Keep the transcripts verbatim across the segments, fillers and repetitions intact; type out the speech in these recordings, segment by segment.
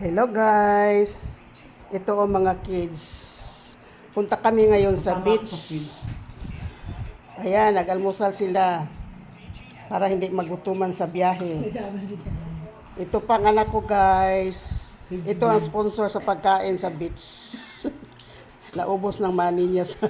Hello guys! Ito o mga kids. Punta kami ngayon sa beach. Ayan, nag-almusal sila para hindi magutuman sa biyahe. Ito pang anak ko guys. Ito ang sponsor sa pagkain sa beach. Naubos ng money niya sa...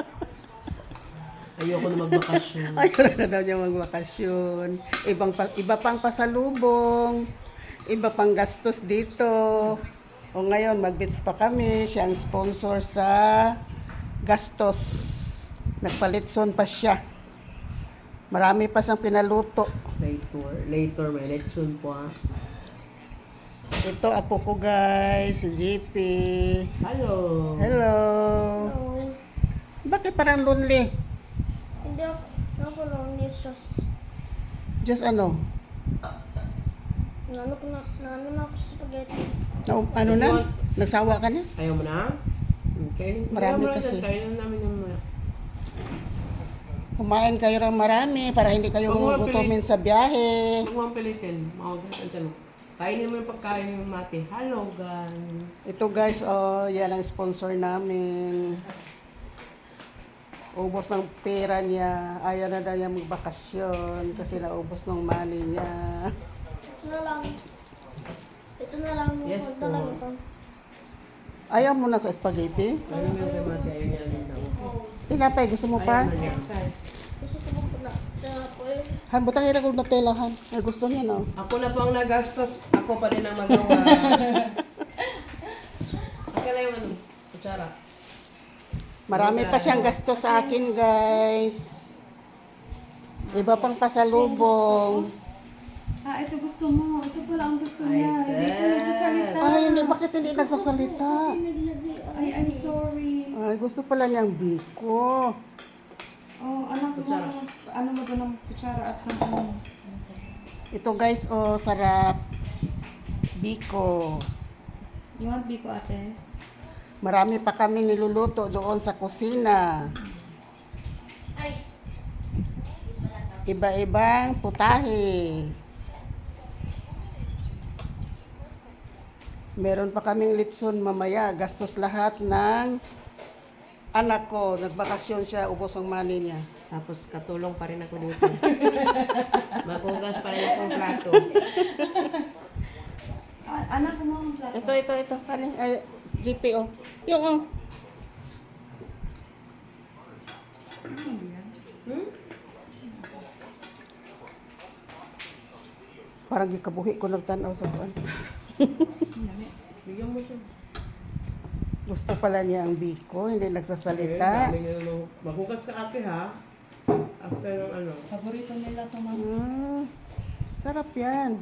Ayoko na magbakasyon. Ayaw na daw niya magbakasyon. Ibang pa, iba pang pasalubong. Iba pang gastos dito. O ngayon, mag-beach pa kami. Siya ang sponsor sa gastos. Nagpalitson pa siya. Marami pa siyang pinaluto. Later, later may election po ah. Ito, apo ko guys, si J P. Hello. Hello. Oo. Bakit parang lonely? Hindi ako, ako lang ni Sos. Just ano? Nano ko na, nano na ako sa spaghetti. Na, ano na? Nagsawa ka na? Ayaw mo na? Okay. Marami Kaya mo na kasi. dyan, Kaya na namin yung mga... Kumain kayo ng marami para hindi kayo Huwag mo gugutomin sa biyahe. Huwag mo ang pilitin. Mawag sa dyan. Kainin mo yung pagkain yung mati. Hello guys. Ito guys, oh, yan ang sponsor namin. Ubos ng pera niya. Ayaw na daw niya magbakasyon kasi naubos ng money niya. Ito na lang. Ito na lang. Yes Ito po. lang ito. Ayaw mo na sa spaghetti? Ayaw mo yung kay mati. Ayaw niya rin daw. Tinapay, gusto mo pa? Ayaw na niya. Gusto ko bang pala. Ito na po eh. Han, butang ira ko na telahan. Ay, gusto niya no? Ako na po ang nagastos. Ako pa rin ang magawa. Okay lang yung ano. Kutsara. Marami pa siyang gasto sa akin guys. Iba pang pasalubong. Ah, ito gusto mo. Ito pala ang gusto Ay, niya. Hindi siya sis. nagsasalita. Ay, hindi, bakit hindi nagsasalita? Naglagay. Ay, I'm sorry. Ay, gusto pala niyang biko. Oh, anak mo. Kutsara. Ano mo doon ng kutsara at ng ano? Ito guys, oh, sarap. Biko. You want biko, ate? Marami pa kami niluluto doon sa kusina. Ay. Iba-ibang putahe. Meron pa kaming litson mamaya. Gastos lahat ng anak ko. Nagbakasyon siya, ubos ang money niya. Tapos katulong pa rin ako dito. Magugas pa rin akong plato. Ah, anak mo ang plato. Ito, ito, ito. Kani, ay, G P O. Yung, oh. Hmm? Parang gikabuhi ko nagtanaw sa buwan. Bigyan mo siya. Gusto pala niya ang biko, hindi nagsasalita. Okay, dami na- Magugas ka ate ha. After ng ano. Paborito nila ito, ma'am. Mm, sarap yan.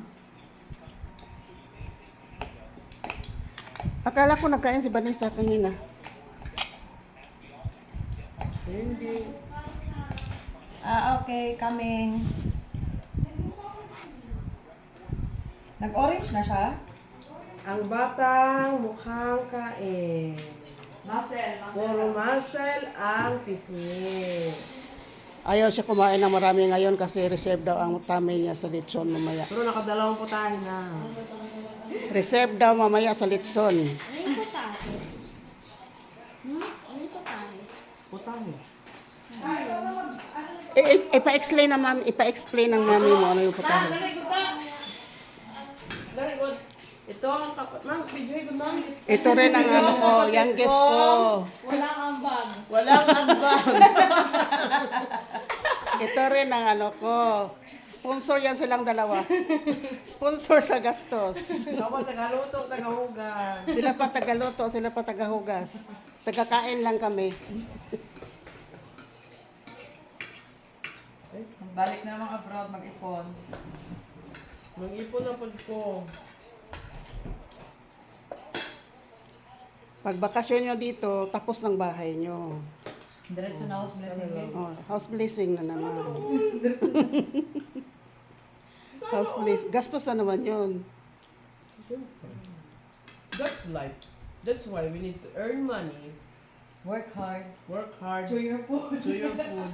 Akala ko nagkain si Vanessa kanina. Hindi. Ah, okay. Coming. Nag-orange na siya? Ang batang mukhang kain. Muscle. Puro muscle ang pisngi. Ayaw siya kumain ng marami ngayon kasi reserve daw ang tummy niya sa litson mamaya. Pero nakadalawang putahe na. Reserve daw mamaya sa litson. Ano yung patahe? Hmm? Ano yung patahe? Putahe. I- i- ipa-explain na mami, ipa-explain ng mami mo ano yung putahe. Dari good. Ito ang kapat. Mang, video ko mang. Ito rin ang ano ko, youngest ko. Walang ambag. Walang ambang. Ito rin ang ano ko. Sponsor yan silang dalawa. Sponsor sa gastos. Ako taga-luto, taga-hugas. Sila pa tagaluto, sila pa tagahugas. Tagakain lang kami. Balik na mga abroad, mag-ipon. Mag-ipon na pag ko. Pag bakasyon nyo dito, tapos ng bahay nyo. Diretso na house blessing. Oh, house blessing na naman. House blessing. Gastos na naman yun. That's life. That's why we need to earn money, Work hard. work hard, To your food. do your food.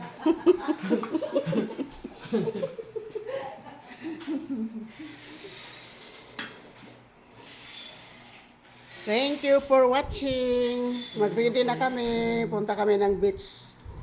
Thank you for watching. Mag-ready na kami. Punta kami ng beach.